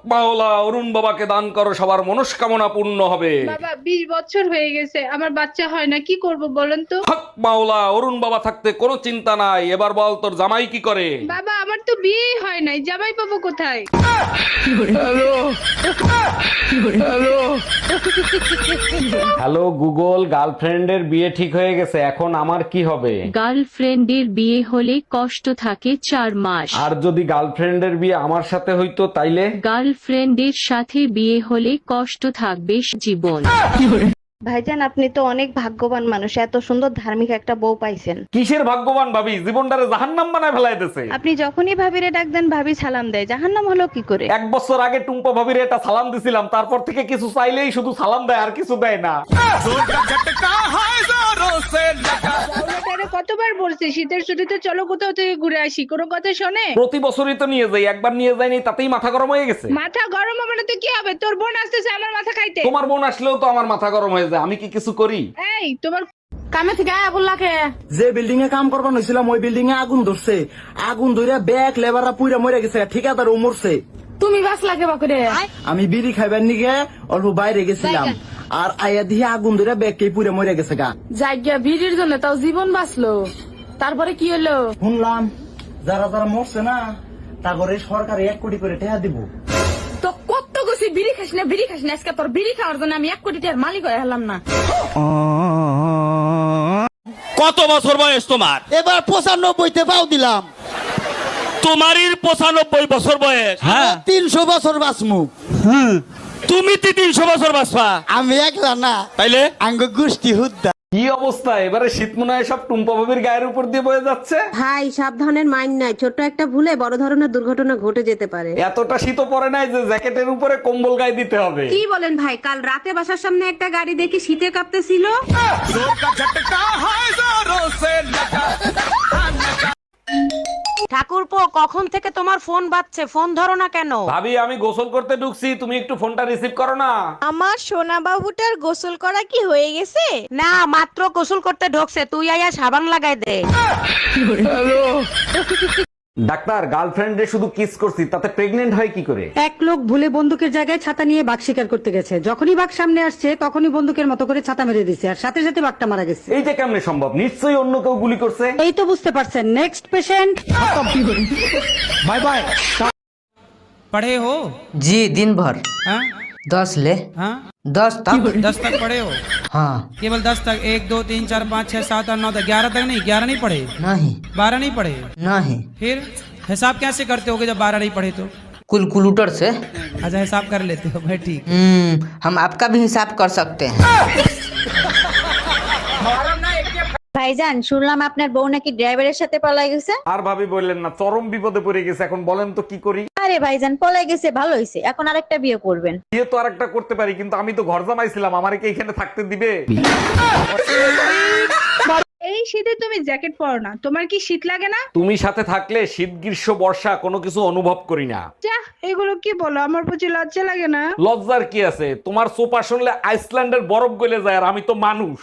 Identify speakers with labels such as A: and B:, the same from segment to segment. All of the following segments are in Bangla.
A: মাওলা, অরুণ বাবাকে দান করো, সবার মনস্কামনা পূর্ণ হবে।
B: বাবা 20 বছর হয়ে গেছে আমার বাচ্চা হয় না, কি করব বলেন তো?
A: হক মাওলা, অরুণ বাবা থাকতে কোনো চিন্তা নাই। এবার বল তোর জামাই কি করে?
B: বাবা আমার তো বিয়েই হয় নাই, জামাই পাবো কোথায়?
A: হ্যালো গুগল, গার্লফ্রেন্ডের বিয়ে ঠিক হয়ে গেছে, এখন আমার কি হবে?
C: গার্লফ্রেন্ডের বিয়ে হলে কষ্ট থাকে 4 মাস।
A: আর যদি গার্লফ্রেন্ডের বিয়ে আমার সাথে হইতো তাইলে?
C: গার্লফ্রেন্ডের সাথে বিয়ে হলে কষ্ট থাকবে জীবন।
D: ভাইজান, আপনি তো অনেক ভাগ্যবান মানুষ, এত সুন্দর ধার্মিক একটা বউ পাইছেন।
A: কিসের ভাগ্যবান ভাবি, জীবনটারে জাহান্নাম বানায় ফেলাইতেছে।
D: আপনি যখনই ভাবিরে ডাক দেন ভাবি সালাম দেয়, জাহান্নাম হলো কি করে?
A: 1 বছর আগে টুম্পা ভাবির একটা সালাম দিছিলাম, তারপর থেকে কিছু চাইলেই শুধু সালাম দেয়, আর কিছু দেয় না।
B: তারে কতবার বলছি শীতের ছুটিতে চলো কোথাও থেকে ঘুরে আসি, কোনো কথা শোনে?
A: প্রতি বছরই তো নিয়ে যাই, একবার নিয়ে যাইনি তাতেই মাথা গরম হয়ে গেছে।
B: মাথা গরম হবে না তো কি হবে? তোর বোন আসতেছে আমার মাথা খাইতে।
A: তোমার বোন আসলেও তো আমার মাথা গরম হয়ে যায়, আমি কি কিছু করি?
B: এই তোমার
D: কামে থেকে আয়া বললাকে
E: যে বিল্ডিং এ কাম করবার হয়েছিলাম ওই বিল্ডিং এ আগুন ধরছে, আগুন ধরে ব্যাগ লেবাররা পুইরা মরে গেছে, ঠিকাদার ও মরছে।
D: তুমি বাস লাগে বাকুরে।
E: আমি বিড়ি খাইবার নিগে অল্প বাইরে গেছিলাম, আর আয়া দিয়ে আগুন ধরে ব্যাগ কে পুইরা মরে গেছে গা।
D: জায়গা ভিড়ের জন্য তাও জীবন বাঁচলো, তারপরে কি হলো?
E: শুনলাম যারা যারা মরছে না তারপরে সরকার 1 কোটি করে টাকা দিব।
D: তো কত গেছি বিড়ি খাস না, বিড়ি খাস না, আজকে তোর বিড়ি খাওয়ার জন্য আমি 1 কোটি টাকার মালিক হয়ে হলাম না।
F: কত বছর বয়স তোমার?
G: এবার 95তে পাও দিলাম।
F: তোমারই 95 বছর বয়স। হ্যাঁ
G: 300 বছর বাঁচমু।
F: তুমি 300 বছর বাঁচবা?
G: আমি একলা না,
F: তাইলে
G: আঙ্গ গোষ্ঠী হুদ্দা।
A: কি অবস্থা, এবারে শীত মনে হয় সব টুম্পা ভাবির গায়ের উপর দিয়ে বয়ে যাচ্ছে।
H: ভাই সাবধানের মাইন্ড নাই, ছোট একটা ভুলে বড় ধরনের দুর্ঘটনা ঘটে যেতে পারে।
A: এতটা শীতও পড়ে নাই যে জ্যাকেটের উপরে কম্বল গায়ে দিতে হবে।
H: কি বলেন ভাই, কাল রাতে বাসার সামনে একটা গাড়ি দেখি শীতে কাঁপতেছিল। ঠাকুরপো, কখন থেকে তোমার ফোন বাজছে, ফোন ধরো না কেন?
A: ভাবি আমি গোসল করতে ঢুকছি, তুমি একটু ফোনটা রিসিভ করো না।
H: আমার সোনা বাবুটার গোসল করা কি হয়ে গেছে? না, মাত্র গোসল করতে ঢোকছে, তুই আয়া সাবান লাগাই দে।
A: ডাক্তার, গার্লফ্রেন্ডে শুধু কিস করছি, তাতে প্রেগনেন্ট হয় কি করে?
I: এক লোক ভুলে বন্দুকের জায়গায় ছাতা নিয়ে বাঘ শিকার করতে গেছে, যখনই বাঘ সামনে আসছে তখনই বন্দুকের মতো করে ছাতা মেরে দিছে, আর সাথে সাথে বাঘটা মারা গেছে।
A: এইটা কেমনে সম্ভব? নিশ্চয়ই অন্য কেউ গুলি করছে।
I: এই তো বুঝতে পারছেন। Next patient.
E: Bye bye.
J: पढ़े हो?
G: जी दिन भर।
J: हाँ?
G: 10 ले।
J: हाँ?
G: 10 तक।
J: 10 तक पढ़े हो?
G: हाँ।
J: केवल 10 तक? 1 2 3 4 5 6 7 8 9 10 11 तक नहीं? 11 नहीं पढ़े?
G: नहीं
J: 12 नहीं पढ़े?
G: नहीं,
J: फिर हिसाब कैसे करते होगे जब 12 नहीं पढ़े तो?
G: कैलकुलेटर से।
J: अच्छा हिसाब कर लेते हो भाई, ठीक।
G: हम आपका भी हिसाब कर सकते हैं।
D: ভাইজান, শুনলাম আপনার বউ নাকি ড্রাইভারের সাথে পলাই গেছে।
A: আর ভাবি বললেন না, চরম বিপদে পড়ে গেছে, এখন বলেন তো কি করি?
D: আরে ভাইজান, পলাই গেছে ভালো হয়েছে, এখন আরেকটা বিয়ে করবেন।
A: বিয়ে তো আরেকটা করতে পারি, কিন্তু আমি তো ঘর জামাইছিলাম, আমারে কি এখানে থাকতে দিবে?
B: এই শীতে তুমি জ্যাকেট পরো না, তোমার কি শীত লাগে না?
A: তুমি সাথে থাকলে শীত গ্রীষ্ম বর্ষা কোনো কিছু অনুভব করি না।
B: যা, এগুলো কি বলো, আমার প্রতি লজ্জা লাগে না?
A: লজ্জার কি আছে? তোমার সোপা শুনলে আইসল্যান্ডের বরফ গলে যায়, আর আমি তো মানুষ।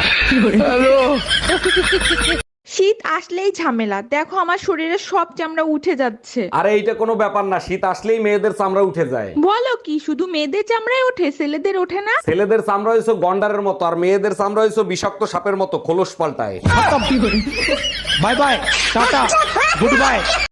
K: শীত আসলেই ঝামেলা, দেখো আমার শরীরের সব চামড়া উঠে যাচ্ছে।
A: আরে এইটা কোনো ব্যাপার না, শীত আসলেই মেয়েদের চামড়া উঠে যায়।
K: বলো কি, শুধু মেয়েদের চামড়ায় ওঠে, ছেলেদের ওঠে না?
A: ছেলেদের চামড়া হয়েছে গন্ডারের মতো, আর মেয়েদের চামড়া হয়েছে বিষাক্ত সাপের মতো, খোলস পাল্টায়।
E: Bye bye, tata, good by.